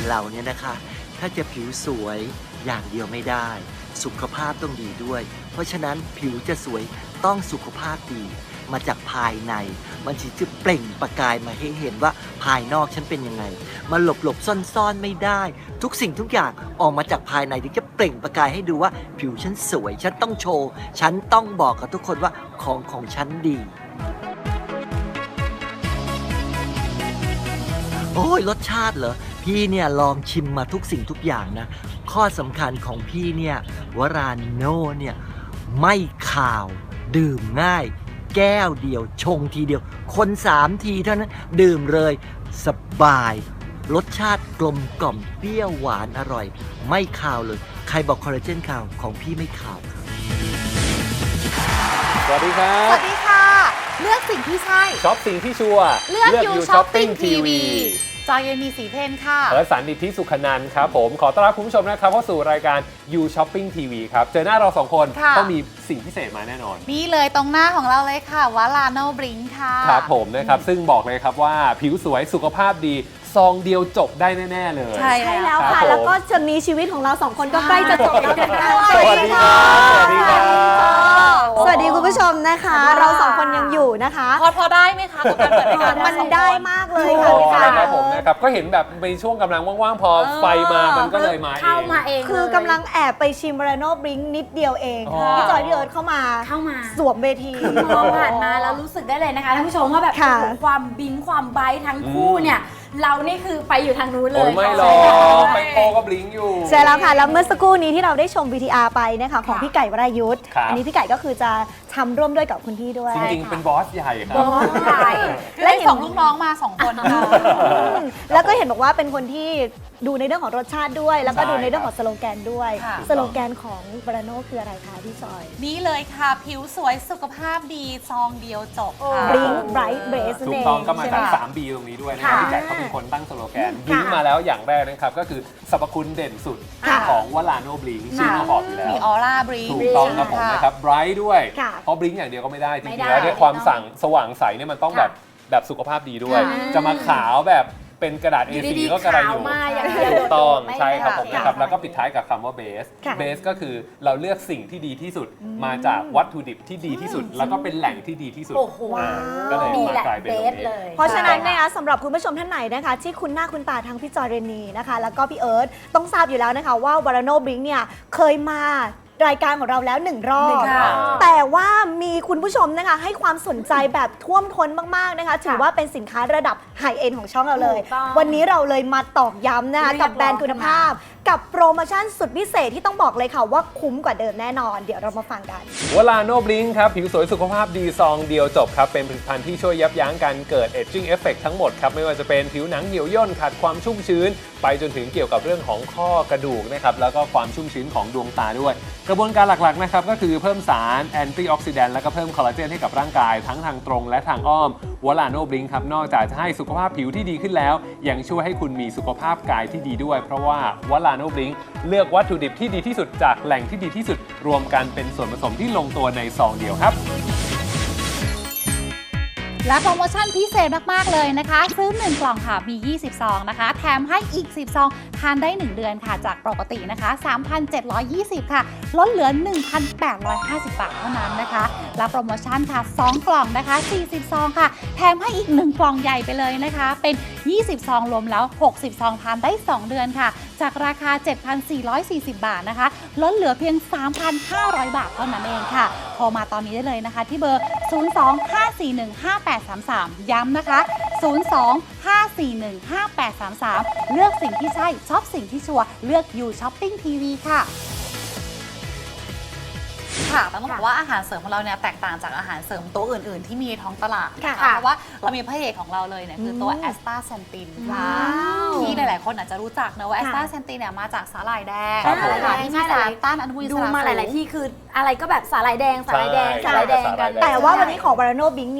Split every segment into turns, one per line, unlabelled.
เราเนี่ยนะคะถ้าจะผิวสวยอย่างเดียวไม่ได้สุขภาพต้องดีด้วยเพราะฉะนั้นผิวจะสวยต้องสุขภาพดีมาจากภายในมันจะเปล่งประกายมาให้เห็นว่าภายนอกฉันเป็นยังไงมาหลบซ่อนไม่ได้ทุกสิ่งทุกอย่างออกมาจากภายในถึงจะเปล่งประกายให้ดูว่าผิวฉันสวยฉันต้องโชว์ฉันต้องบอกกับทุกคนว่าของฉันดีโอ้ยรสชาติเหรอพี่เนี่ยลองชิมมาทุกสิ่งทุกอย่างนะข้อสำคัญของพี่เนี่ยวราโน่เนี่ยไม่คาวดื่มง่ายแก้วเดียวชงทีเดียวคน3 ทีเท่านั้นดื่มเลยสบายรสชาติกลมกล่อมเปรี้ยวหวานอร่อยไม่คาวเลยใครบอกคอลลาเจนคาวของพี่ไม่คาว
สวัสดีครับ
สวัสดีค่ะเลือกสิ่งที่ใช่
ช็อปสิ่งที่ชัวร์
เลือกยูช้อปปิ้งทีวีจอยมีสีเพนค่ะ
และสันดิษฐิสุขนันท์ครับผมขอต้อนรับคุณผู้ชมนะครับเข้าสู่รายการ You Shopping TV ครับเจอหน้าเรา2 คนต้องมีสิ่งพิเศษมาแน่นอน
นี่เลยตรงหน้าของเราเลยค่ะวาลาโนบริงค่ะ
ครับผมนะครับซึ่งบอกเลยครับว่าผิวสวยสุขภาพดีซองเดียวจบได้แน่ๆเลย
ใช่แล้วค่ะแล้วก็จะมีชีวิตของเรา2 คนก็ใกล้จะจบแล้วนะคะ
สวัสดีครับสวัสดีครับ
สวัสดีคุณผู้ชมนะคะเรา2 คนยังอยู่นะคะ
พอได้ไหมคะกับการเปิดรายการ
มันได้มากเลยค่ะพี่ฟ้า
ครับผมนะครับก็เห็นแบบในช่วงกำลังว่างๆพอไฟมามันก็เลยมาเอง
เข้ามาเองคือกำลังแอบไปชิมวาลาโนบริงนิดเดียวเองพี่จอยพี่เอิร์ธเข้ามาสวมเวที
มองผ่านมาแล้วรู้สึกได้เลยนะคะท่านผู้ชมว่าแบบความบิงความไบท์ทั้งคู่เนี่ยเรานี่คือไปอยู่ทางนู้นเลย
ไม่หรอกไปโคก็บลิงอยู่
ใช่แล้วค่ะแล้วเมื่อสักครู่นี้ที่เราได้ชม VTR ไปนะคะของพี่ไก่วรายุทธ์อันนี้พี่ไก่ก็คือจะทำร่วมด้วยกับคุณพี่ด้วย
จริงๆเป็นบอสใหญ่ครับ
บอสใหญ่และ2 ลูกน้องมา2 คน
แล้วก็เห็นบอกว่าเป็นคนที่ดูในเรื่องของรสชาติด้วยแล้วก็ดูในเรื่องของสโลแกนด้วยสโลแกนของวาลาโน่คืออะไรคะพี่จอย
นี่เลยค่ะผิวสวยสุขภาพดีซองเดียวจบค่ะ
Blink Bright Base
ถูกต้องก็มาจาก 3B ตรงนี้ด้วยนะครับพี่ไก่เขาเป็นคนตั้งสโลแกนบลิงมาแล้วอย่างแรกนะครับก็คือสรรพคุณเด่นสุดของวาลาโน่บลิงชื่อมาบอกอยู่แล้ว
มีออร่าบลิง
ถูกต้องครับผมนะครับไบรท์ด้วยเพราะบลิงอย่างเดียวก็ไม่ได้จริงๆแล้วด้วยความสว่างใสเนี่ยมันต้องแบบสุขภาพดีด้วยจะมาขาวแบบเป็นกระดาษ A4 ก็กระไรอยู่ถูกต้องใช่ครับผมนะครับแล้วก็ปิดท้ายกับคำว่าเบสก็คือเราเลือกสิ่งที่ดีที่สุดมาจากวัตถุดิบที่ดีที่สุดแล้วก็เป็นแหล่งที่ดีที่สุดก็เลยมากลายเป็นแบบนี้
เพราะฉะนั้นนะคะสำหรับคุณผู้ชมท่านไหนนะคะที่คุ้นหน้าคุ้นตาทั้งพี่จอยเรนนีนะคะแล้วก็พี่เอิร์ธต้องทราบอยู่แล้วนะคะว่าวาลาโนบริงเนี่ยเคยมารายการของเราแล้ว1 รอบแต่ว่ามีคุณผู้ชมนะคะให้ความสนใจแบบท่วมท้นมากๆนะคะถือว่าเป็นสินค้าระดับไฮเอ็นของช่องเราเลยวันนี้เราเลยมาตอกย้ำนะคะกับแบรนด์คุณภาพกับโปรโมชั่นสุดพิเศษที่ต้องบอกเลยค่ะว่าคุ้มกว่าเดิมแน่นอนเดี๋ยวเรามาฟังกัน
วลาโนบลิงครับผิวสวยสุขภาพดีซองเดียวจบครับเป็นผลิตภัณฑ์ที่ช่วยยับยั้งการเกิดเอจจิ้งเอฟเฟกต์ทั้งหมดครับไม่ว่าจะเป็นผิวหนังเหี่ยวย่นขาดความชุ่มชื้นไปจนถึงเกี่ยวกับเรื่องของข้อกระดูกนะครับแล้วก็ความชุ่มชื้นของดวงตาด้วยกระบวนการหลักๆนะครับก็คือเพิ่มสารแอนตี้ออกซิแดนต์แล้วก็เพิ่มคอลลาเจนให้กับร่างกายทั้งทางตรงและทางอ้อมวลาโนบลิงครับนอกจากจะให้สุขภาพผิวที่ดีขึ้นแล้วยังช่วยให้คุณมีสุขภาพกายที่ดีด้วยเพราะว่าวลาโนบลิงเลือกวัตถุดิบที่ดีที่สุดจากแหล่งที่ดีที่สุดรวมกันเป็นส่วนผสมที่ลงตัวในซองเดียวครับ
และโปรโมชั่นพิเศษมากๆเลยนะคะซื้อ1 กล่องค่ะมี20 ซองนะคะแถมให้อีก10 ซองทานได้1 เดือนค่ะจากปกตินะคะ 3,720 ค่ะลดเหลือ 1,850 บาทเท่านั้นนะคะและโปรโมชั่นค่ะ2 กล่องนะคะ40 ซองค่ะแถมให้อีก1 กล่องใหญ่ไปเลยนะคะเป็น20 ซองรวมแล้ว60 ซองทานได้2 เดือนค่ะจากราคา 7,440 บาทนะคะลดเหลือเพียง 3,500 บาทเท่านั้นเองค่ะโทรมาตอนนี้ได้เลยนะคะที่เบอร์ 02-541-5833 ย้ำนะคะ 02-541-5833 เลือกสิ่งที่ใช่ช็อปสิ่งที่ชัวร์เลือกยูช้อปปิ้งทีวีค่ะค่ะต้องบอกว่าอาหารเสริมของเราเนี่ยแตกต่างจากอาหารเสริมตัวอื่นๆที่มีในท้องตลาดค่ะเพราะว่าเรามีพระเอกของเราเลยเนี่ยคือตัวแอสตาเซนตินค่ะที่หลายๆคนอาจจะรู้จักนะว่าแอสตาเซนตินเนี่ยมาจากสาหร่ายแดงที่มีสารต้านอนุมูลอิสระ
ดูมาหลายๆที่คืออะไรก็แบบสาหร่ายแดงกัน
แต่ว่าวันนี้ของวาลาโนบลิงเนี่ย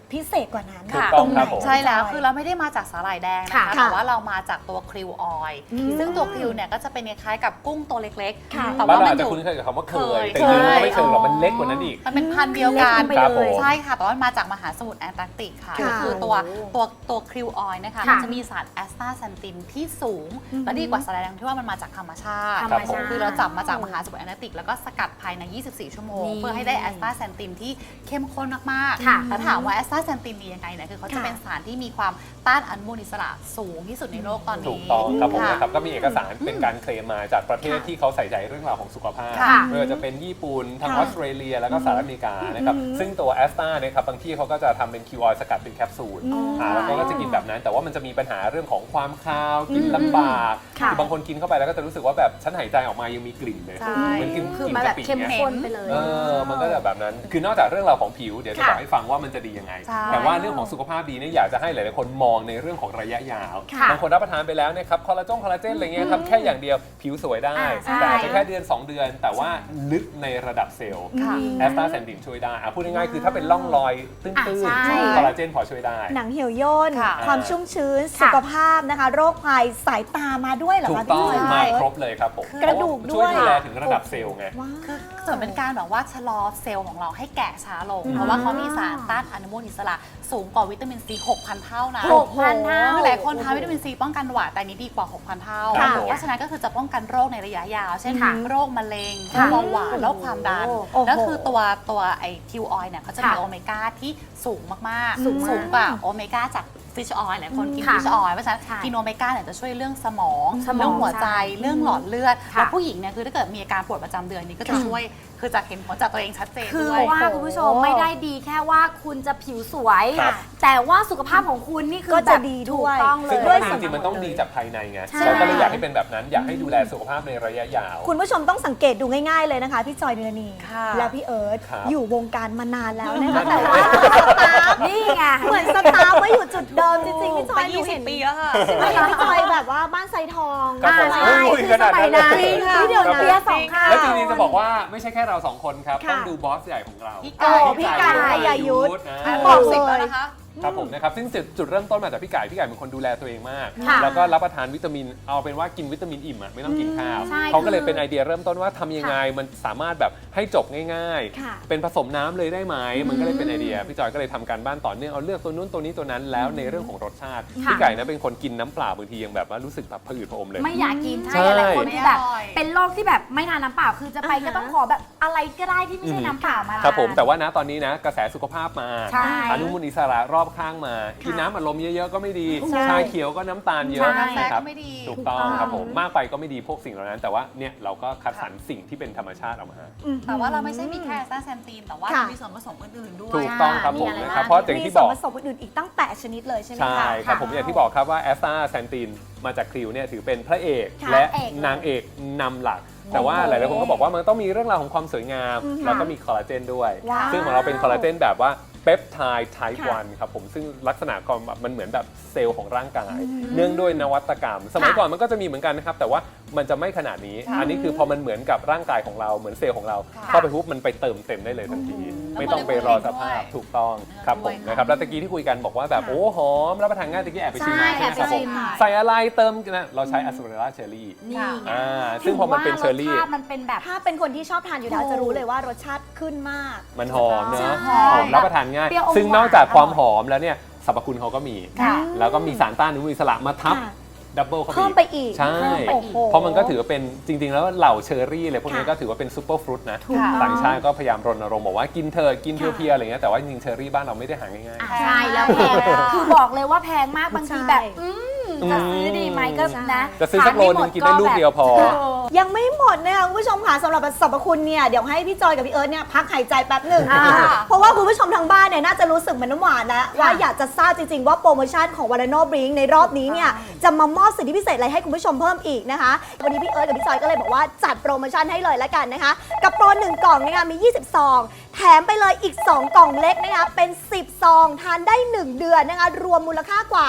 พิเศษกว่านั้น
ถูกต้องครับผม
ใช่แล้วคือเราไม่ได้มาจากสาหร่ายแดงนะคะ
ค่ะ
แต่ว่าเรามาจากตัวคริวออยล์
อืม
ซึ่งตัวคริวเนี่ยก็จะเป็นคล้ายๆกับกุ้งตัวเล็ก
ค่ะ
ๆ แต่
บ้าน
ว่า
เรา
มั
อาจ
น
จะ
อยู่
คุ้นเคยกับคำว่าเคย
เคย
แต่จริงๆมันไม่เชิงหรอกมันเล็กกว่านั้นอีก
มันเป็นพันธุ์เดียวกัน
เล็กลงไปเลย
ใช่ค่ะ แต่ว่ามันมาจากมหาสมุทรแอนตาร์กติกค่ะ
ค่ะ
ก็คือตัวคริวออยล์นะคะ
ค่ะ
มันจะมีสารแอสตาแซนตินที่สูง และดีกว่าสาหร่ายแดงที่ว่ามันมาจากธรรมชาติ
ธรรมชาติ
คือเราจับมาจากมหาสมุทรแอนตาร์กติกแล้วก็สกัดภายใน 24 ชั่วโมง
นี่
เพื่อให้ได้แอสตาแซนตินที่เข้มข้นมาก
ค่ะ
ๆแล้วถามว่าแอสตาแซนตินดียังไงเนี่ยคือเขาจะเป็นสารที่มีความต้านอนุมูลอิสระสูงที่สุดในโลกตอนนี้
ถูกต้องครับผม
ะ
นะครับก็มีเอกสารเป็นการเคลมมาจากประเทศที่เขาใส่ใจเรื่องราวของสุขภาพ
ค่ะ
ไม่ว่าจะเป็นญี่ปุ่นทางอ
ค่ะ
อสเตรเลียแล้วก็สหรัฐอเมริกานะครับซึ่งตัวแอสตาเนี่ยครับบางที่เขาก็จะทำเป็นคิวออยสกัดเป็นแคปซูลแล้วก็จะกินแบบนั้น แต่ว่ามันจะมีปัญหาเรื่องของความคาวกินลำบาก
ค่ะ
คือบางคนกินเข้าไปแล้วก็จะรู้สึกว่าแบบฉันหายใจออกมายังมีกลิ่นเลย
ใช่
เหมือนกิน
คือ
กิน
มาแบบ
กะปิ
เข้ม
เนี่ย
ข้นไปเลย
มันก็จะแบบนั้น คือนอกจากเรื่องราวของผิว เดี๋ยวจะ
ค่ะ
บอกให้ฟังว่ามันจะดียังไง
ใช่
แต่ว่าเรื่องของสุขภาพดีเนี่ยอยากจะให้หลายๆคนมองในเรื่องของระยะยาว
ค่ะ
บางคนรับประทานไปแล้วนะครับคอลลาเจนอะไรเงี้ยครับแค่อย่างเดียวผิวสวยได้
ใช่
แต่อาจจะแค่เดือน 2 เดือน แต่ว่าลึกในระดับเซลล์
ค่ะ
แอสตาแซนตินช่วยได้พูดง่ายๆคือถ้าเป็นร่องรอยตื้น
ใช่
ๆคอลลาเจนพอช่วยได้
หนังเหี่ยวย่น
ค่ะ
ความชุ่มชื้น
ค่ะ
สุขภาพนะคะ โรคภัยสายตามาด้วยเหรอ
ถู
คะ
กต้อง
พี่จ
มา
อย
ครบเลยครับผม
กระดูกด้วย
ช่วยดูแลถึงระดับเซลล์ไง
ว้าว
คือส่วนเป็นการแบบว่าชะลอเซลล์ของเราให้แก่ช้าลง เพราะว่าเขามีสารต้านอนุมูลอิสระสูงกว่าวิตามินซี 6,000 เท่านะ
6,000 เท่า
คือหลายคนทานวิตามินซีป้องกันหวัดแต่อันนี้ดีกว่า 6,000 เท่า
ครับผม
เพราะฉะนั้นก็คือจะป้องกันโรคในระยะยาว เช่น
ค่ะ
โรคมะเร็งโร
ค่ะ
คเบาหวานโรคความดัน
โอ้โห
แล้วคือตัวไอคิวออยเนี่ยเขาจะมี
ค่ะ
โอเมก้าที่สูงมากๆ
สูงมาก
สูงกว่าโอเมก้าจากฟิชออยล์หลายคนกิน
ค่ะ
ฟิชออยล์เพราะฉะนั้น
ใช่
กินโอเมก้าเนี่ยจะช่วยเรื่องสมอง
สมอง
เรื่องหัวใจ
ใช่
เรื่องหลอดเลือด
ค่ะ
แล้วผู้หญิงเนี่ยคือถ้าเกิดมีอาการปวดประจำเดือนนี้ก็จะช่วยคือจะเห็นผลจากตัวเองชัดเจน
คือ
ด้วย
ว่าคุณผู้ชมไม่ได้ดีแค่ว่าคุณจะผิวสวย
ครับ
แต่ว่าสุขภาพของคุณนี่คือ
ก็จะ
แบบ
ดี
ถู
ด้
ก
วย
ต้องเล
ซึ่ง
ย
ด้วย
จริงๆมันต้องดีจากภายในไง
ใช่
เราก็เลยอยากให้เป็นแบบนั้น อยากให้ดูแลสุขภาพในระยะยาว
คุณผู้ชมต้องสังเกตดูง่ายๆเลยนะคะ พี่จอยเดือนนี
ค่ะ
และพี่เอิร์ธ
ครับ
อยู่วงการมานานแล้วนะคะ
นั่น
แต่ว่า
นี่ไง
เหมือนสตาร์ฟไว้อยู่จุดเดิมจริงๆพี่จอย
ไป20 ปีแล้วค่ะ
ไม่เห็นพี่จอยแบบว่าบ้านไซทอง
ครับผม
ใช่
อุ้ยขนาดนั้นเลย
จริงค่ะเดี๋ยว
ครับผม
นะ
เปียสองข้าง
แล้วจริงๆจะบอกว่าไม่ใช่แค่เราสองคนครับ
ค่ะ
ต้องดูบอสใหญ่ของเรา
พี่
โอ้
ไก่
พี่ไก่ยายุทธ
นะ
บอก
สิบ
เล
แล้ว
ย
นะคะ
ครับผมนะครับซึ่งจุดเริ่มต้นมาจากพี่ไก่เป็นคนดูแลตัวเองมาก
ค่ะ
แล้วก็รับประทานวิตามินเอาเป็นว่ากินวิตามินอิ่มอะไม่ต้องกินข้าว
ใช่
เขาก็เลย
คือ
เป็นไอเดียเริ่มต้นว่าทำยังไงมันสามารถแบบให้จบง่าย
ค่ะ
ๆ เป็นผสมน้ำเลยได้ไหมมันก็เลยเป็นไอเดียพี่จอยก็เลยทำการบ้านต่อเนื่องเอาเลือกตัวนู้นตัวนี้ตัวนั้นแล้วในเรื่องของรสชาติ
ค่ะ
พี่ไก่นะเป็นคนกินน้ำเปล่าบางทียังแบบว่ารู้สึกแบบผะอืดผะอมเลย
ไม่อยากกิน
ใช่
ใช่หลายคนที่แบบ
ไม่อร่อย
เป็นโรคที่แบบไม่ทานน้ำเปล่าคือจะไปก็ต้องขอแบบอะไรก็ได้ที่ไม่ใช่น้ำเปล่ามา
ครับผมแต่ว่านะตอนนี้นะกระแสสุขภาพมา
ใช่
อนุมูลอิสระรอบข้างมา กินน้ำอัดลมเยอะๆก็ไม่ดี
ใช่
ชาเขียวก็น้ำตาลเยอะ
ใช่
กาแฟ
นะค
ก็
รับ
ไม่ดี
ถูกต้องครับผมมากไปก็ไม่ดีพวกสิ่งเหล่านั้น แต่ว่าเนี่ยเราก็คัดสรรสิ่งที่เป็นธรรมชาติออกมา
แต่ว่าเราไม่ใช่มีแค่แอสตาแซนตินแต่ว่า
ค่ะ
มีส่วนผสมอื่นๆด้วย
ถูกต้องครับผม
มีอะไร
นะครับ
บ้าง
เพราะอย่าง
มี
ที่
ส่
บ
ว
อน ก
ผสมอื่นๆอีกตั้ง8ชนิดเลยใช่ไหม
ใช่
คะ
ครับผมอย่างที่บอกครับว่าแอสตาแซนตินมาจากคริวเนี่ยถือเป็นพระเอก
ค่ะ
และ
พระเอกเลย
นางเอกนำหลัก แต่ว่าหลายๆคนก็บอกว่ามันต้องมีเรื่องราวของความสวยงาม
อือฮึ
แล้วก็มีคอลลาเจนด้วย
ว้าว
ซึ่งของเราเป็นคอลลาเจนแบบว่าเปปไทด์ไทป์
ค่ะ
1ครับผมซึ่งลักษณะความแบบมันเหมือนแบบเซลล์ของร่างกาย เนื่องด้วยนวัตกรรม สมัยก่อนมันก็จะมีเหมือนกันนะครับ แต่ว่ามันจะไม่ขนาดนี้ อันนี้คือพอมันเหมือนกับร่างกายของเราเหมือนเซลล์ของเรา
ค่ะ
เข้าไปปุ๊บมันไปเติมเต็มได้เลยทันที ไม่ต้องไปรอสภาพถูกต้องครับผมนะครับแล้วตะกี้ที่คุยกันบอกว่าแบบโอ้หอมรับประทานง่ายตะกี้แอบไปชิมมา
ใช่
ใช่ไหมครับผม
แอบไปชิมมา
ใส่อะไรเติมนะเราใช้อัสเปอร์ล่าเชอร์รี่
นี่ไง
ซึ่งพอมันเป็นเชอร์รี่
ถืว่ารสชาติมันเป็นแบบ
ถ้าเป็นคนที่ชอบทานอยู่แล้วจะรู้เลยว่ารสชาติขึ้นมาก
มันหอมเนอะ
ใช่
หอมรับประทานง่าย
เปรี้ยวอม
ซึ่งนอกจากความหอมแล้วเนี่ยสรรพคุณเขาก็มี
ค่ะ
แล้วก็มีสารต้านอนุมูลอิสระมาทับ
ค่ะ
ดับเบิลเข้า
เพิ่มไปอีก
ใช่
โอ้โห
เพราะมันก็ถือว่าเป็นจริง ๆ แล้วเหล่าเชอร์รี่อะไรพวกนี้
ค่ะ
ก็ถือว่าเป็นซูเปอร์ฟรุตนะ
ถูกต้อง
ต่างชาติก็พยายามรณรงค์บอกว่ากินเธอะกิน
ค่ะ
เพียวๆอะไรเงี้ยแต่ว่าจริงๆเชอร์รี่บ้านเราไม่ได้หาง่าย
ใช่แล้วแพงคือบอกเลยว่าแพงมากบางทีแบบ
อืม
จะซื้อดีไหมก็นะ
ๆจะซื้อสักโลนึงกินได้ลูกเดียวพอ
ยังไม่หมดนะคะคุณผู้ชมค่ะสำหรับสรรพคุณเนี่ยเดี๋ยวให้พี่จอยกับพี่เอิร์ธเนี่ยพักหายใจแป๊บหนึ่ง
อ่า
เพราะว่าคุณผู้ชมทางบ้านเนี่ยน่าจะรู้สึกเหมือนน้ำหวานนะว่าอยากจะทราบจริงๆว่าโปรโมชั่นของวาลาโนบริงในรอบนี้เนี่ยจะมามอบสิทธิพิเศษอะไรให้คุณผู้ชมเพิ่มอีกนะคะวันนี้พี่เอิร์ธกับพี่จอยก็เลยบอกว่าจัดโปรโมชั่นให้เลยละกันนะคะกับโปร1กล่องนะคะมี20ซองแถมไปเลยอีก2กล่องเล็กนะคะเป็น10ซองทานได้1เดือนนะคะรวมมูลค่ากว่า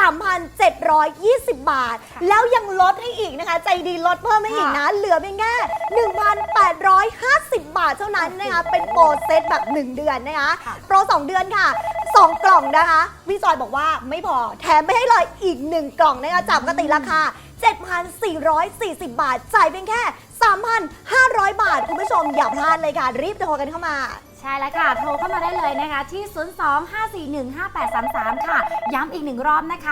3,720 บาท แล้วยังลดให้อีกนะคะ ใจดีลดเพิ่มให้อีกนะ เหลือเพียงแค่ 1,850 บาทเท่านั้นนะคะ เป็นโปรเซตแบบ 1 เดือนนะคะ โปร 2 เดือนค่ะ 2 กล่องนะคะพี่จอยบอกว่าไม่พอแถมไม่ให้เลยอีก 1 กล่องนะคะจากปกติราคา 7,440 บาทจ่ายเพียงแค่ 3,500 บาทคุณผู้ชมอย่าพลาดเลยค่ะรีบโทรกันเข้ามา
ใช่แล้วค่ะ โทรเข้ามาได้เลยนะคะที่ 02-541-5833 ค่ะ ย้ำอีก1รอบนะคะ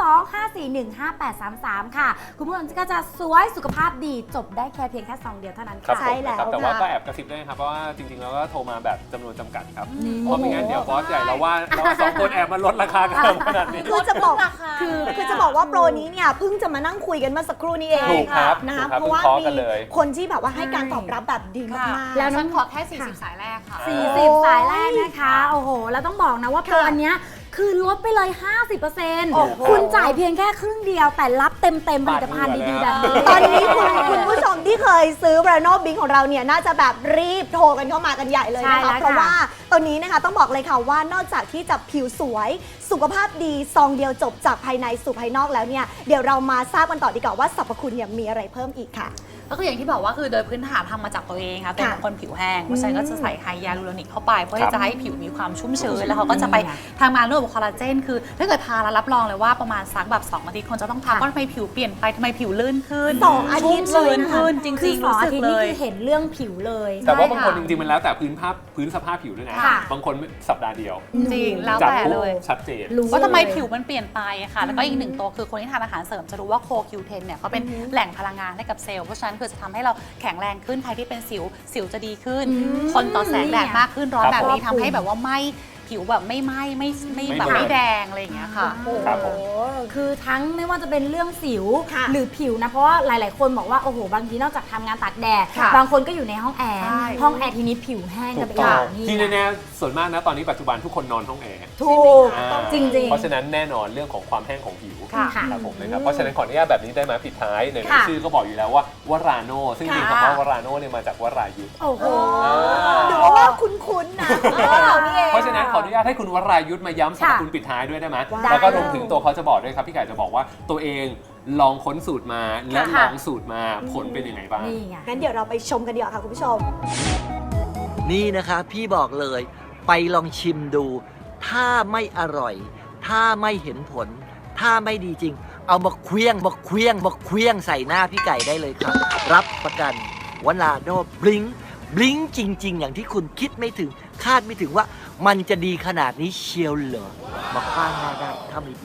02-541-5833 ค่ะ คุณผู้ชมก็จะสวยสุขภาพดีจบได้แค่เพียงแค่ซองเดียวเท่านั้น
ครับ
ค่ะ
ใช่แล้ว
ผมนะครับแต่ว่า
ค่ะ
ก็แอบกระซิบด้วยนะครับเพราะว่าจริงๆแล้วก็โทรมาแบบจำนวนจำกัดครับ
นี่
เพราะไม่งั้นเดี๋ยวบอสใหญ่เราว่าเราสองคนแอบมาลดราคากันขนาดนี้
คือจะบอก
ราคา
คือจะบอกว่าโปรนี้เนี่ยเพิ่งจะมานั่งคุยกันเมื่อสักครู่นี้เอง
ถูกครับ
นะคะ
ถูกครับ
เพราะว่า
เพิ่งเคาะ
มี
กันเลย
คนที่แบบว่าให้การตอบรับแบบดีมากๆ
แล้วฉันขอแค่ 40 สายแรกค่ะ
40 สายแรกนะคะ โอ้โห แล้วต้องบอกนะว่าโปร
ค่ะ
อันเนี้ยคือลดไปเลย
โอ้โห
50%คุณจ่ายเพียงแค่ครึ่งเดียว แต่รับเต็มผลิตภัณฑ์ดีๆแบบนี้
ตอนนี้คุณผู้ชมที่เคยซื้อ Brano Bing ของเราเนี่ยน่าจะแบบรีบโทรกันเข้ามากันใหญ่เลย
ใช่
นะ
แล้
คะ
ว
เพราะว่าตอนนี้นะคะต้องบอกเลยค่ะว่านอกจากที่จะผิวสวยสุขภาพดีซองเดียวจบจากภายในสู่ภายนอกแล้วเนี่ยเดี๋ยวเรามาทราบกันต่อดีกว่าว่าสรรพคุณเนี่ยมีอะไรเพิ่มอีกค่ะ
ก็คืออย่างที่บอกว่าคือโดยพื้นฐานทำมาจากตัวเองค่ะเป็นคนผิวแห้งเพราะฉะนั้นก็จะใส่ไฮยาลูโรนิกเข้าไปเพื่อที่จะให้ผิวมีความชุ่มชื้นแล้วเขาก็จะไปทำงานร่วมกับคอลลาเจนคือถ้าเกิดทาแล้วรับรองเลยว่าประมาณสักแบบ2 อาทิตย์คนจะต้องทักว่าทำไมผิวเปลี่ยนไปทำไมผิวลื่นขึ้น
2 อาทิตย์เลยนะคะ
ชุ่มชื้นขึ้นจ
คื
ริ
อง
ๆ
สอง
รู้
อา
สึก
ทิตย์
เล
นี่
ย
คือเห็นเรื่องผิวเลย
แต่ว่า
ใช่
บางคน
ค่ะ
จริงๆมันแล้วแต่พื้นสภาพผิวด้วยนะ
ค่ะ
บางคนสัปดาห์เดียว
จริงแล้ว
จับ
แต่
ปุ๊บ
เลย
ชัดเจน
รู้
ว่าทำไม
เลย
ผิวมันเปลี่ยนไปอะค่ะ แล้วก็อีกหนึ่งตัวคือคนที่ทานอาหารเสริมจะรู้ว่าโคคิวเทนเนี่ยเขาเป็นแหล่งพลังงานให้กับเซลล์ เพราะฉะนั้นคือจะทำให้เราแข็งแรงขึ้น ใครที่เป็นสิวจะดีขึ้น ทนต่อแสงแดดมากขึ้น ร้อน
ค
แบ
รับบ
นี้
ผม
ทำให้แบบว่าไม่ผิวแบบไม่ไหม้ไม่แบบ
ไม่
ไม่
แดง
แดงอะไรอย่างเงี้ยค่ะ
ครับผม
คือทั้งไม่ว่าจะเป็นเรื่องสิว
ค่ะ
หรือผิวนะ เพราะว่าหลาย ๆ คนบอกว่าโอ้โหบางทีนอกจากทำงานตากแดด
ค่ะ
บางคนก็อยู่ในห้องแอร์
ใช่
ห้องแอร์ทีนี้ผิวแห้ง
ถู
กัน
ก
ไป
ต้
อ
อง
ย่างนี้
ที่แน่ๆส่วนมากนะตอนนี้ปัจจุบันทุกคนนอนห้องแอร์
ถูก
อ่า
จริง
เพราะฉะนั้นแน่นอนเรื่องของความแห้งของผิว
ค่ะ
ครับผมนะครับเพราะฉะนั้นขออนุญาตแบบนี้ได้ไหมปิดท้ายใน
ค่ะ
ชื่อก็บอกอยู่แล้วว่าวราโนซึ่งจริงๆ
ค่ะ
คำว่าวราโนเนี่ยมาจากวรายุทธ
โอ้โห
หรือว่าคุ้นๆนะเรานี่เอง
เพราะฉะนั้นขออนุญาตให้คุณวรายุทธมาย้ำสรรพคุณปิดท้ายด้วยได้ไหมแล้วก็รวมถึงตัวเขาจะบอกด้วยครับพี่ไก่จะบอกว่าตัวเองลองค้นสูตรมาและลองสูตรมาผลเป็นยังไงบ้าง
นี่ไง
งั้นเดี๋ยวเราไปชมกันดีกว่าค่ะคุณผู้ชม
นี่นะคะพี่บอกเลยไปลองชิมดู ถ้าไม่อร่อย ถ้าไม่เห็นผล ถ้าไม่ดีจริง เอามาเคลี้ยงใส่หน้าพี่ไก่ได้เลยครับ รับประกันวลาโดบลิงจริง ๆ อย่างที่คุณคิดไม่ถึง คาดไม่ถึงว่ามันจะดีขนาดนี้เชียวเหรอมาคว้างหน้าได้ถ้าไม่ดี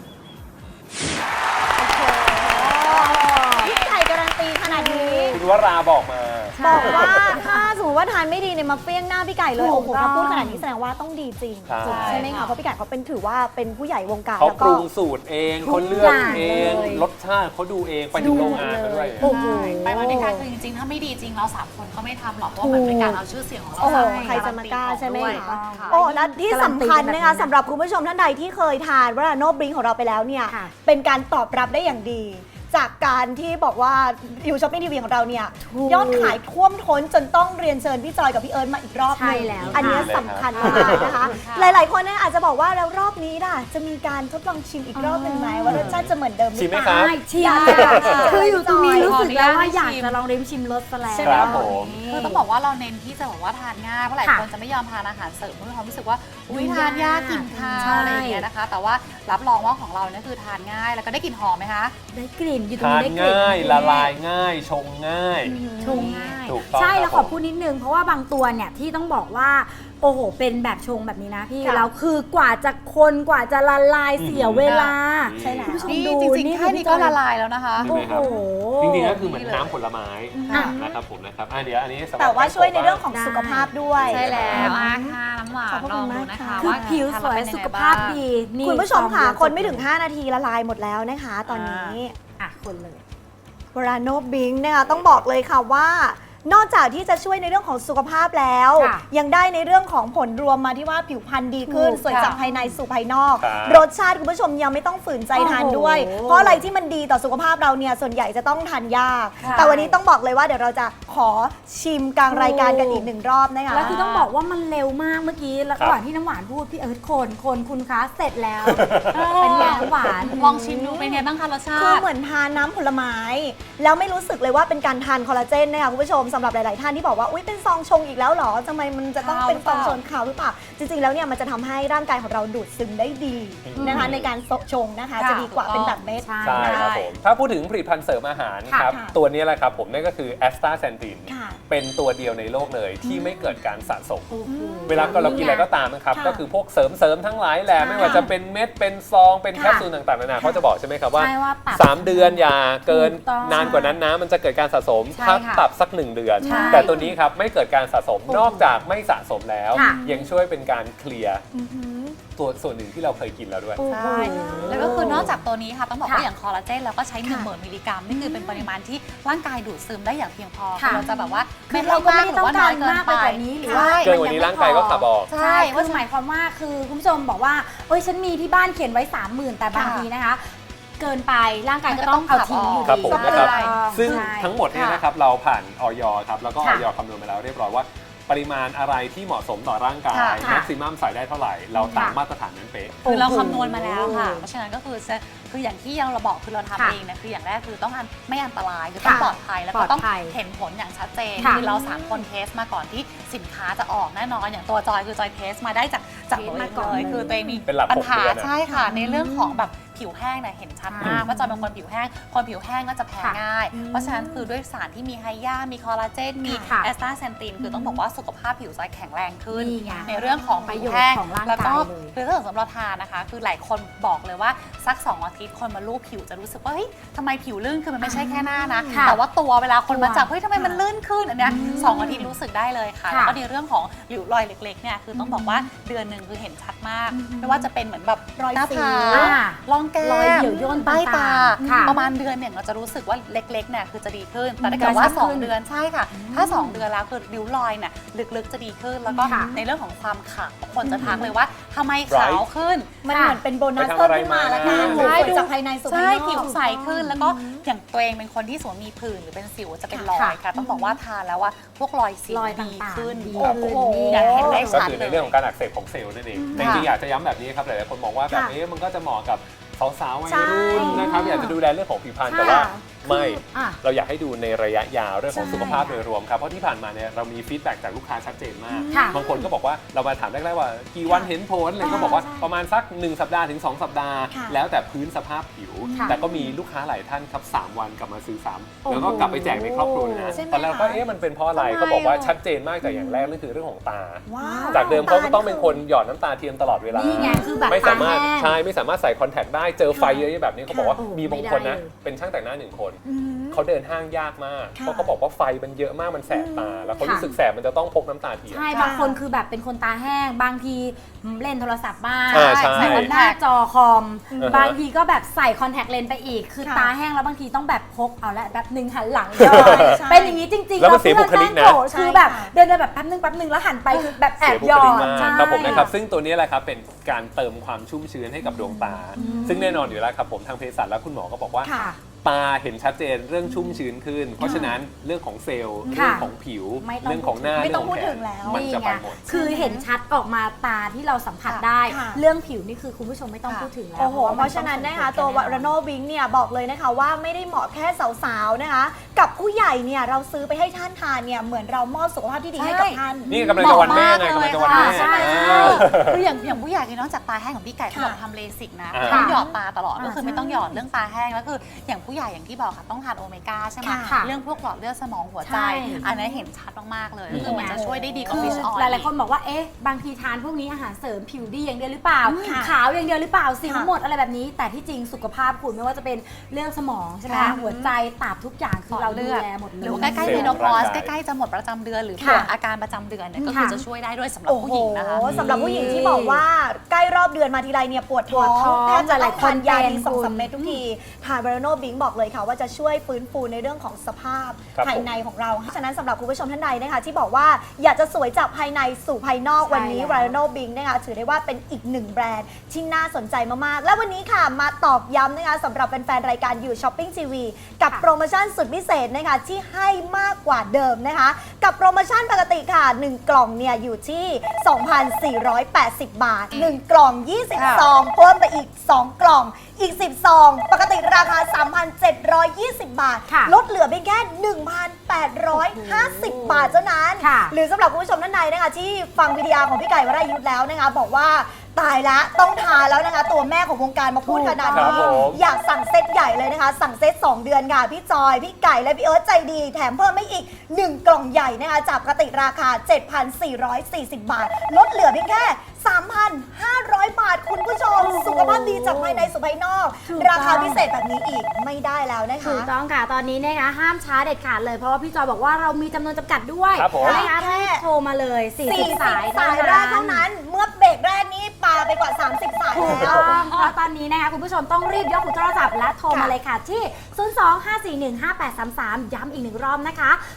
พี่ไก่การันตีขนาดนี้
คุณวราบอกมา
บอกว่าถ้าสมมติว่าทานไม่ดีเนี่ยมาเฟี้ยงหน้าพี่ไก่เลย
ถู
โอ้
ก
โห
ต้อง
ถ้าพูดขนาดนี้แสดงว่าต้องดีจริง
ใช่
ไหมคะเพราะพี่ไก่เขาเป็นถือว่าเป็นผู้ใหญ่วงการ
เขา
แล้ว
ป
ก็
รุงสูตรเองเขาเลือกเอง
เลย
รสชาติเขาดูเองไปถึงโรงงานมาด้วย
โอ้โห
ไปมาด้วยกันคือจริงๆ ถ้าไม่ดีจริงเรา3 คนก็ไม่ทำหรอกเพราะว่ามันเป็นการเอาชื่อเสียงของเรา
โอ้โห
ไป
ใครจะมากล้าใช่ไหม
ด้วย
คะ
ค่ะ
โอ้และที่สำคัญนะคะสำหรับคุณผู้ชมท่านใดที่เคยทานวราโนบริงของเราไปแล้วเนี่ย
ค่ะ
เป็นการตอบรับได้อย่างดี จากการที่บอกว่าอยู่ช้อปปิ้งทีวีของเราเนี่ย
ถูก
ยอดขายท่วมท้นจนต้องเรียนเชิญพี่จอยกับพี่เอิร์ธมาอีกรอบหนึง
ใช่แล้ว
อันเนี้ย
ค่ะ
สำคัญมากนะคะ
ค่ะ
หลายๆคนเนี่ยอาจจะบอกว่าแล้วรอบนี้ล่ะจะมีการทดลองชิมอีกรอบหนึ่งไหมว่ารสชาติจะเหมือนเดิมหรือ
ชิมไหม
เป
ครั
ล่า
บ
ใช่ชิม
อยาก
ค่ะ
จะ
คืออยู่ตรงนี้รู้สึกแล้วว่า
ขออนุญาต
อยาก
ชิม
จะลองริมชิมรสซะแล้ว
ใช่ไหม
ครับผม
คือต้องบอกว่าเราเน้นที่จะบอกว่าทานง่ายเพราะหลาย
ค่ะ
คนจะไม่ยอมทานอาหารเสริมเพราะมีความรู้สึกว่าอุ้ย
ยุ่ง
ทานยาก
ยาก
กลิ่นคา
ใช่
วอะไรอย่างเงี้ยนะคะ แต่ว่ารับรองว่าของเราเนี่ยคือทานง่ายแล้วก็ได้กลิ่นหอมไหมคะ
ได้กลิ่นอยู่ตรง
ทาน
นี้ได้กลิ่น
ง่ายละลายง่ายชงง่าย
ชงง่าย
ถูกต้อง
ใช่
ครับ
แล้วขอ
ผม
พูดนิดนึงเพราะว่าบางตัวเนี่ยที่ต้องบอกว่าโอ้โหเป็นแบบชงแบบนี้นะพี่
ค่ะ
แล้วคือกว่าจะคนกว่าจะละลายเสียเวลา
ใช่แล้ว
คุณผู้ชม
นี่
ดู
จริงๆแค่นี้ก็ละลายแล้วนะคะ
ใช่ไหมครับ
โอ้โห
จริงๆก็คือเหมือนน้ำผลไม้
อ่ะ
นะครับผมนะครับเดี๋ยวอันนี้สำหรับ
แต่ว่าช่วยในเรื่องของสุขภาพด้วย
ใช่แล้วค่ะน้ำหวาน
ขอบพระ
ล
คุ
อง
ณ
ดู
มาก
นะคะ
ค่ะ
คือ
ว่า
ผิวสวย
ทนแล้เป็น
สุ
ง
ข
ไง
ภาพ
บ้ง
ดีนี่
คุณผู้ชมค่ะ
ซองเดียว
คนไม่ถึง 5 นาทีละลายหมดแล้วนะคะ ตอนนี้
อ่ะคนเลย
วราโนบิงนะคะต้องบอกเลยค่ะว่า นอกจากที่จะช่วยในเรื่องของสุขภาพแล้ว
ค่ะ
ยังได้ในเรื่องของผลรวมมาที่ว่าผิวพรรณดีขึ้น
ถูก
สวยจากภายในสู่ภายนอก
ครับ
รสชาติคุณผู้ชมยังไม่ต้องฝืนใจทานด้วย
โอ้โห
เพราะอะไรที่มันดีต่อสุขภาพเราเนี่ยส่วนใหญ่จะต้องทานยาก
ค่ะ
แต่วันนี้ต้องบอกเลยว่าเดี๋ยวเราจะขอชิมกลางรายการกันอีกหนึ่งรอบนะคะ
แล้วคือต้องบอกว่ามันเร็วมากเมื่อกี้แล้ว
ครับ
ก่อนที่น้ำหวานพูดพี่เอิร์ธคนคุณคะเสร็จแล้ว เป็นไงน้ำหวาน
ลองชิมดูเป็นไงบ้างคะรสชา
คือ
ติ
เหมือนทานน้ำผลไม้ แล้วไม่รู้สึกเลยว่าเป็นการทานคอลลาเจนนะคะคุณผู้ชมสำหรับหลาย ๆ ท่านที่บอกว่าอุ๊ยเป็นซองชงอีกแล้วเหรอทำไมมันจะต้องเป็นซองชงขาวหรือเปล่าจริง ๆ แล้วเนี่ยมันจะทำให้ร่างกายของเราดูดซึมได้ดีนะคะในการชงนะคะจะดีกว่าเป็นแบบเม็ด
ใช่
ใช่ครับผมถ้าพูดถึงผลิตภัณฑ์เสริมอาหารครับ
ค่ะ
ตัวนี้แหละครับผมนั่นก็คือแอสตาแซนติน
ค่ะ
เป็นตัวเดียวในโลกเลยที่ไม่เกิดการสะสม
โอ้โห
เวลาเรากินอะไรก็ตามนะครับ
ค่ะ
ก็คือพวกเสริมทั้งหลายแหละ
ใช่
ไม่ว่าจะเป็นเม็ดเป็นซองเป็นแคปซูลต่างๆนานาเขาจะบอกใช่ไหมครับว่า
ใช่ว่าปรับ
3 เดือนอย่าเกิน
ถูกต้อง
นานกว่านั้นนะมันจะเกิดการสะสม
ใช่
ถ้า
ค่ะ
ปรับสัก 1 เดือน
ใช่
แต่ตัวนี้ครับไม่เกิดการสะสมนอกจากไม่สะสมแล้ว
ค่ะ
ยังช่วยเป็นการเคลียร์
อือหือ
ตัวส่วนหนึ่งที่เราเคยกินแล้วด้วย
ใช่แล้วก็คือนอกจากตัวนี้ค่ะต้องบอกว่า
ค่ะ
อย่างคอลลาเจนเราก็ใช้
ค่ะ
10,000 มิลลิกรัมนี่คือเป็นปริมาณที่ร่างกายดูดซึมได้อย่างเพียงพอ
ค่ะ
คือเราจะแบบว่า
คือเราก็ไม่ได้ต้องการมากไปกว่านี้หรือว่า
ใช่
เกินกว่านี้ร่างกายก็ขับออก
ใช่คือหมายความว่าคือคุณผู้ชมบอกว่าเอ้ยฉันมีที่บ้านเขียนไว้ 30,000 แต่บางทีนะคะ เกินไปร่างกายก็ต้องเอาทิ้งอยู่
ครับ
ดี
ผมนะครับ
ใช่
ซึ่ง
ใช่
ทั้งหมดเนี่ยนะครับเราผ่านออยครับแล้วก็อ
ค่ะ
อยคำนวณมาแล้วเรียบร้อยว่าปริมาณอะไรที่เหมาะสมต่อร่างกาย
ค่ะ
แม็กซิมัมใส่ได้เท่าไหร่ เราตาม
ค่ะ
มาตรฐานนั้นเป๊ะ
คือเราคำนวณมาแล้วค่ะ เพราะฉะนั้นก็คืออย่างที่เราบอกคือเราทำ
ค่ะ
เองนะคืออย่างแรกคือต้องไม่อันตรายคือต้อง
ค่ะ
ปลอดภัยแล้วก็ต้อง
ปลอดภัย
เห็นผลอย่างชัดเจน
ค่ะ
คือเรา3 คนเทสมาก่อนที่สินค้าจะออกแน่นอนอย่างตัวจอยคือจอยเทสมาได้จากตัวเองเลยคือตัวเองมี
เป็นหลัก
ปัญหา
6 เดือนอะ
ใช่ค่ะ ในเรื่องของแบบผิวแห้งเนี่ยเห็นชัดมากว่าจอยเป็นคนผิวแห้งคนผิวแห้งก็จะแพ้
ค่ะ
ง่าย เพราะฉะนั้นคือด้วยสารที่มีไฮยามีคอลลาเจนมี
ค่ะ
แอสตาเซนตินคือต้องบอกว่าสุขภาพผิวจอยแข็งแรงขึ้น
นี่ไง
ในเรื่องของ
ประ
ผิ
โยว ชน์
แห้ง
ของร่างกาย
แล้วก็
เลย
คือถ้าสำหรับเราทานนะคะ คือหลายคนบอกเลยว่าสัก2 อาทิตย์คนมาลูบผิวจะรู้สึกว่าเฮ้ยทำไมผิวลื่นคือมันไม่ใช่แค่หน้านะ
ค่ะ
แต่ว่าตัวเวลาคนมาจับ
ตัว
เฮ้ยทำไมมันลื่นขึ้นอันเนี้ย2 อาทิตย์รู้สึกได้เลยค่ะ
ค่ะ
แล้วก็ในเรื่องของริ้วรอยเล็กๆเนี่ยคือต้องบอกว่าเดือนหนึ่งคือเห็นชัดมาก ไม่ว่าจะเป็นเหมือนแบบ
รอย
หน้า
สิว
ผาก
อ่า
ร่องแก้
รอย
ม
เหี่ยวย่น
ใต้ตา
ต่างๆค่ะ
ประมาณเดือนเนี่ยเราจะรู้สึกว่าเล็กๆเนี่ยคือจะดีขึ้น แต่ถ้าเกิดว่า
กระชับขึ้น
2 เดือนใช่ค่ะ ถ้า 2 เดือนแล้วคือริ้วรอยเนี่ยลึกๆจะดีขึ้น แล้วก็
ค่ะ
ในเรื่องของความขาวคนจะทักเลยว่าทำไมขาวขึ้น
มันเหมือนเป็นโบนัส
ไปทำ
เพิ่
อะ
ม
ไร
ขึ้นมา
มา
แล้วกัน
ใช่
สวยจากภายในสู่ภาย
ใช่
นอก
ผิวใสขึ้นแล้วก็อย่างตัวเองเป็นคนที่สวมมีผื่นหรือเป็นสิวจะเป็นรอย
ค่ะ
ค่ะ ต้องบอกว่าทานแล้วว่าพวกรอยสิว
รอย
ดี
ต่างๆ
ขึ้น
ดี
ครับ
ขึ้น
โอ้โห
นี่
อย่างเห็นได้
ก็
ชัด
คือ
เล
ใน
ย
เรื่องของการอักเสบของเซลล์นั่นเองแต่จริงๆอยากจะย้ำแบบนี้ครับหลายๆคนมองว่าแบบนี้มันก็จะเหมาะกับสาวๆวัยรุ่นนะครับอยากจะดูแลเรื่องของผิวพรรณแต่ว่าไม่
อ่ะ
เราอยากให้ดูในระยะยาวเรื่องของ
ใช่
สุขภาพโดยรวมครับเพราะที่ผ่านมาเนี่ยเรามีฟีดแบ็กจากลูกค้าชัดเจนมาก
ค่ะ
บางคนก็บอกว่าเรามาถามแรกๆว่ากี่วันเห็นผลเลยก็บอกว่าประมาณสัก1 สัปดาห์ถึง 2 สัปดาห์
ค่ะ
แล้วแต่พื้นสภาพผิว
ค่ะ
แต่ก็มีลูกค้าหลายท่านครับ3 วันกลับมาซื้อซ้ำ
โอ้โห
แล้วก็กลับไปแจกในครอบครัวเลยนะ
ใช่ไหม
ตอนแรกก็
คะ
เอ๊ะมันเป็นเพราะอะไร
ทำไม
เขาบอกว่า
อ่ะ
ชัดเจนมากแต่อย่างแรกนั่นคือเรื่องของตา
ว้าว
จากเดิมเขาก็ต้องเป็นคนหยอดน้ำตาเทียมตลอดเวลา
นี่ไงคือแบบ
ไม่สามารถ
ตาแห้ง
ใช่ไม่สามารถใส่คอนแทคได้เจอไฟเยอะๆแบบนี้เขาบอกว่า
โอ้โห
มีบางคนนะ
ไม่ได้เลย
เป็นช่างแต่งหน้า1 คน
อืม
เขาเดินห้างยากมาก
ค่ะ
เพราะเขาบอกว่าไฟมันเยอะมากมันแสบตา แล้วเขา
ค่ะ
รู้สึกแสบมันจะต้องพกน้ำตาเทียม
ใช่บางคนคือแบบเป็นคนตาแห้ง บางทีเล่นโทรศัพท์บ้าง
อ่าใช่
ใส่หน้าจอคอม
อือฮะ
บางทีก็แบบใส่คอนแทคเลนส์ไปอีก คือ
ค่ะ
ตาแห้งแล้วบางทีต้องแบบพกเอาละแบบหนึ่งหันหลัง
ใช่
ย่อย
ใช่
เป็นอย่างนี้จริงๆ
แล้วมันเสียบุคลิกนะ
เพื่อแม่งโกรธคือแบบ
ใช่ค่ะ
เดินแบบแป๊บนึงแล้วหันไปคือแบบแอ
เสี
บ
ยบุ
หย
ค
อ
ลิก
ด
มาก
ใช่
ครับผมนะครับซึ่งตัวนี้แหละครับเป็นการเติมความชุ่มชื้นให้กับดวงตา ซึ่งแน่นอนอยู่แล้วครับผมทางเภสัชและคุณหมอก็บอกว่า
ค่ะ
ตาเห็นชัดเจนเรื่องชุ่มชื้นขึ้น เพราะฉะนั้นเรื่องของเซลล์
ค่ะ
เรื่องของผิว
ไม่ต้อง
เรื่องของหน้า
ไม่
เรื่
ต้
อ
อง ง
ของแข
พูดถึ
น
งแล้ว
มันจะไปหมด
คือเห็นชัดออกมาตาที่เราสัมผัสได้
ค่ะ
เรื่องผิวนี่คือคุณผู้ชมไม่ต้อง
ค่ะ
พูดถึงแล้ว
โอ้โห
ว่
เพราะฉะนั้นนะคะ
มั
ตัว
ต้องส่งผล
วารโนบิงเนี่ยบอกเลยนะคะว่าไม่ได้เหมาะแค่สาวๆนะคะ กับผู้ใหญ่เนี่ยเราซื้อไปให้ท่านทานเนี่ยเหมือนเรามอบสุขภาพที่ดีให้กับท่าน
นี่กำลังจะวันแม่ไงกำลังจะวันแม่
ใช่
อ่า
คืออย่างผู้ใหญ่ที่นอกจากตาแห้งของพี่ไก่ที่บอกทำเลสิกนะ
อ่า
ต้องหยอดตาตลอด
อ่า
ก็คือไม่ต้องหยอดเรื่องตาแห้งแล้วคืออย่างผู้ใหญ่อย่างที่บอกค่ะต้องทานโอเมก้าใช่ไหม
ค่ะ
เรื่องพวกหลอดเลือดสมองหัวใจ
ใช่
อันนี้เห็นชัดมากๆเลย
นี่
คือมันจะช่วยได้ดีกว่า
คือ
ฟิชออยล์
หลายๆคนบอกว่าเอ๊ะบางทีทานพวกนี้อาหารเสริมผิวดีอย่างเดียวหรือเปล่า
ค่ะ
ขาวอย่างเดียวหรือเปล่าสิว
ค่ะ
หมดอะไรแบบนี้ แต่ที่จริงสุขภาพคุณไม่ว่าจะเป็นเรื่องสมองใช่ไหม
ค่ะ
หัวใจตับทุกอย่างคือเราดูแลหมดเล
ห
ย
รือว่าใกล้ๆ
เซลล์
เมโนพอส
ร่างกาย
ใกล้ๆจะหมดประจำเดือนหรือ
ค่ะ
ปวดอาการประจำเดือนเนี่ยก็คือจะช่วยได้ด้วยสำหรับ
โอ้
ผู้
โห
หญิงนะคะ
สำหรับผู้หญิงที่บอกว่าใกล้รอบเดือนมาทีไรเนี่ยปวดท้อ
ปวดท้อง
แทบจะต้องทานยา
หลายคน
ดี
เป็น
2-3 เม็ดทุกทีทานวารโนบิงบอกเลยค่ะว่าจะช่วยฟื้นฟูในเรื่องของสภาพ
ครับ
ภายในของเราฉะนั้นสำหรับคุณผู้ชมท่านใดนะคะที่บอกว่าอยากจะสวยจากภายในสู่ภายนอก
ใช่
วันนี้
แล้ว
วารโนบิงนะคะถือได้ว่าเป็นอีกหนึ่งแบรนด์ที่น่าสนใจมากๆ และวันนี้ค่ะมาตอกย้ำนะคะสำหรับแฟนๆรายการอยู่ช้อปปิ้งทีวีกับโปรโมชั่นสุดพิเศษนะคะที่ให้มากกว่าเดิมนะคะ กับโปรโมชั่นปกติค่ะ 1 กล่องเนี่ยอยู่ที่ 2,480 บาท 1 กล่อง 20 ซอง เพิ่มไปอีก 2 กล่อง อีก 10 ซอง ปกติราคา 1,720 บาท
ค่ะ
ลดเหลือเพียงแค่ 1,850 บาทเท่านั้น
ค่ะ
หรือสำหรับคุณผู้ชมท่านใดนะคะที่ฟังวิดีโอของพี่ไก่วรายุทธแล้วนะคะบอกว่าตายละต้องทานแล้วนะคะตัวแม่ของวงการมาพูดขนาด
ครั
นี้
บผม
อยากสั่งเซตใหญ่เลยนะคะ สั่งเซต2 เดือนค่ะพี่จอยพี่ไก่และพี่เอิร์ธใจดีแถมเพิ่มไม่อีก 1 กล่องใหญ่นะคะจากปกติราคา 7,440 บาท ลดเหลือเพียงแค่ 3,500 บาทคุณผู้ชม สุขภาพดีจากภายในสู่ภายนอก
ถูกต้อง
ราคาพิเศษแบบนี้อีกไม่ได้แล้วนะคะ
ถูกต้องค่ะ ตอนนี้นะคะห้ามช้าเด็ดขาดเลย เพราะว่าพี่จอยบอกว่าเรามีจำนวนจำกัดด้วย
ครับผม
นะคะรีบโทรมาเลย 40 สาย
สายแรกเท่านั้น เมื่อเบรกแรกนี้ปาไปกว่า 30 สาย
ถูก
แล้
ต้
ว
องเพราะตอนนี้นะคะคุณผู้ชมต้องรีบยกหูโทรศัพท์และโทรมาเลยค่ะที่ 025415833 ย้ำอีกหนึ่งรอบนะคะ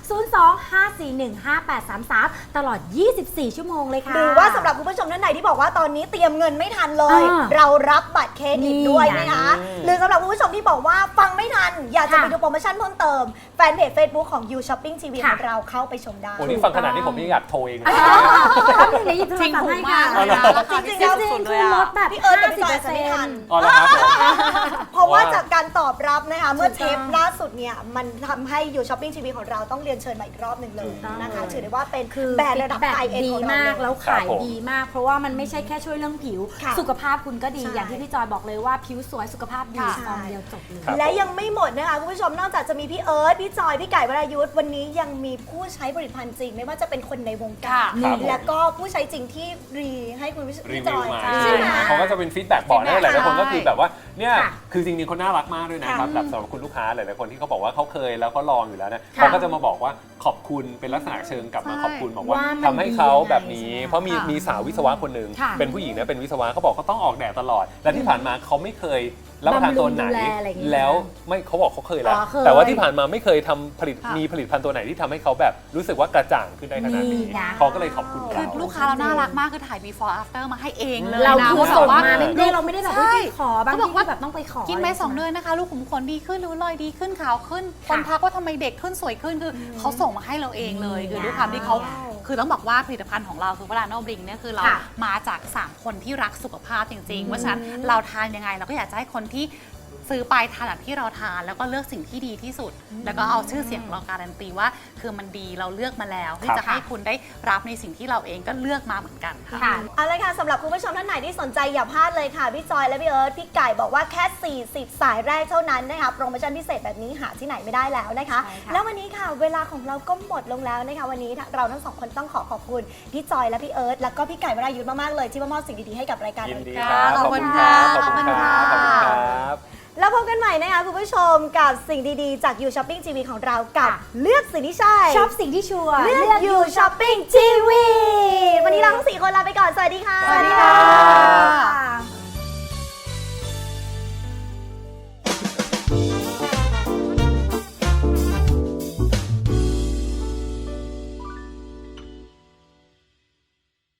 025415833 ตลอด 24 ชั่วโมงเลยค่ะ
หรือว่าสำหรับคุณผู้ชมท่านไหนที่บอกว่าตอนนี้เตรียมเงินไม่ทันเลย เรารับบัตรเครดิตด้วย
นี่
นะคะ
อืม
หรือสำหรับคุณผู้ชมที่บอกว่าฟังไม่ทัน อยากจะ
ค่ะ
ไปดูโปรโมชั่นเพิ่มเติม แฟนเพจ Facebook ของ You Shopping TV
ค่ะ
ของเราเข้าไปชมได้
โอ้นี่ฟังขนาดนี้ผมยังอยากโทรเอง
ต้องถึงได้หยิบโทร
จริง
ศัพท์
ถู
ให้
ก
ค่ะ
มากเลยนะราคา
จริ
พิ
ง
เศ
ๆ
ษสุดๆเลย
คือล
อะ
ดแบบ
พี่เอิร์ธกับพี่จอยจะไม่ทัน
50%
อ๋อแล้วครับผม
เพราะว่า
ว่า
จากการตอบรับนะคะเมื่อ
ถูก
เท
ต้อง
ปล่าสุดเนี่ยมันทำให้ You Shopping TV ของเราต้องเรียนเชิญมาอีกรอบหนึ่งเลย
ถูกต้อง
นะคะถือได้ว่าเป็น
คือ
แบรนด์ระดับ
แบบ
ไฮเอ็น
ดี
ของเรา
มาก
เล
แล้
ยว
ขาย
ครับผม
ดีมาก เพราะว่ามันไม่ใช่แค่ช่วยเรื่องผิว
ค่ะ
สุขภาพคุณก็ดี
ใช่
อย่างที่พี่จอยบอกเลยว่าผิวสวยสุขภาพดี
ค่ะ
ซองเดียวจบเลย
ครับ
และยังไม่หมดนะคะคุณผู้ชมนอกจากจะมีพี่เอิร์ธพี่จอยพี่ไก่วรายุทธวันนี้ยังมีผู้ใช้ผลิตภัณฑ์จริง ไม่ว่าจะเป็นคนในวงการ
ครับผม
แล้วก็ผู้ใช้จริงที่ให้คุณ
รี
พี่จ
วิว
อย
มา
ใช่ไหม
เขาก็จะเป็นฟีดแบ็กบอกนะหลายๆคนก็คือแบบว่าเนี่ย
ค่ะ
คือจริงๆคนน่ารักมากด้วยนะครับ
ค่ะ
แบบสำหรับคุณลูกค้าหลายๆคนที่เขาบอกว่าเขาเคยแล้วก็ลองอยู่แล้วนะ
ค่ะ
เขาก็จะมาบอกว่าขอบคุณเป็นลักษณะเชิงกลับมา
ใช่
ขอบคุณบอกว่า
ว่ามัน
ทำให้เขาแบบนี้
ดียังไง
เพราะมี
ค่ะ
มีสาววิศวะคนหนึ่ง
ค่ะ
เป็นผู้หญิงนะเป็นวิศวะเขาบอกเขาต้องออกแดดตลอด และที่ผ่านมาเขาไม่เคยรับประทานตัวไหน
บำรุงดูแลอะไรอย่างเงี้ย
แล้วไม่เขาบอกเขาเคยแล้ว
อ๋อเคย
แต่ว่าที่ผ่านมาไม่เคยทำผลิต
ค่ะ
มีผลิตภัณฑ์ตัวไหนที่ทำให้เขาแบบรู้สึกว่ากระจ่างขึ้นได้ขนาดนี้
นี่นะ
เขาก็เลยขอบคุณ
คือ
เรา
ลูกค้าเราน่ารักมากคือถ่าย before after มาให้เองเลย
เรา
นะ
คือ
ว่า
ส่ง
แบบว่า
มาไม่เราไม่ได้แบบว่า
ใช่
ไปขอบาง
เขาบ
ที
อกว่า
แบบต้องไปขอ
กินไป
อะไร
2 เดือนนะคะ ลูกขุมขนดีขึ้นริ้วรอยดีขึ้นขาวขึ้น
ค่ะ
คนทักว่าทำไมเด็กขึ้นสวยขึ้นคือเขาส่งมาให้เราเองเลย คือด้วยความที่เขา
ว้าว
คือต้องบอกว่าผลิตภัณฑ์ของเราคือวราโนบริงเนี่ยคือเรา
ค่ะ
มาจาก 3 คนที่รักสุขภาพจริงๆเพราะฉะนั้นเราทานยังไงเราก็อยากจะให้คนที่ซื้อไปทานแบบที่เราทานแล้วก็เลือกสิ่งที่ดีที่สุด แล้วก็เอาชื่อเสียงของเราการันตีว่าคือมันดีเราเลือกมาแล้วที่จะให้คุณได้รับในสิ่งที่เราเองก็เลือกมาเหมือนกันค่ะ
ค่ะ
เอาละค่ะสำหรับคุณผู้ชมท่านไหนที่สนใจอย่าพลาดเลยค่ะพี่จอยและพี่เอิร์ธพี่ไก่บอกว่าแค่ 40 สายแรกเท่านั้นนะคะโปรโมชั่นพิเศษแบบนี้หาที่ไหนไม่ได้แล้วนะคะ
ใช่ค่ะ
แล้ววันนี้ค่ะเวลาของเราก็หมดลงแล้วนะคะวันนี้เราทั้งสองคนต้องขอบคุณพี่จอยและพี่เอิร์ธแล้วก็พี่ไก่วรายุทธมากๆเลยที่มามอบสิ่งดีๆให้กับรายการ
ยิน
เรา
ดี
ค่ะ
ครับ
ขอบคุณ
ครับ
ค่ะ
ขอบคุณครับ
ข
ข
อ
อ
บบ คุ
คุณ ณ
ค่ะ
ครับ
แล้วพบกันใหม่นะคะคุณผู้ชมกับสิ่งดีๆจาก You Shopping TV ของเรากับเลือกสิ่งที่ใช่
ชอบสิ่งที่ชัวร์
เลือก You Shopping TV วันนี้เราทั้ง4 คนลาไปก่อนสวัสดีค่ะ
สวัสดีค่ะ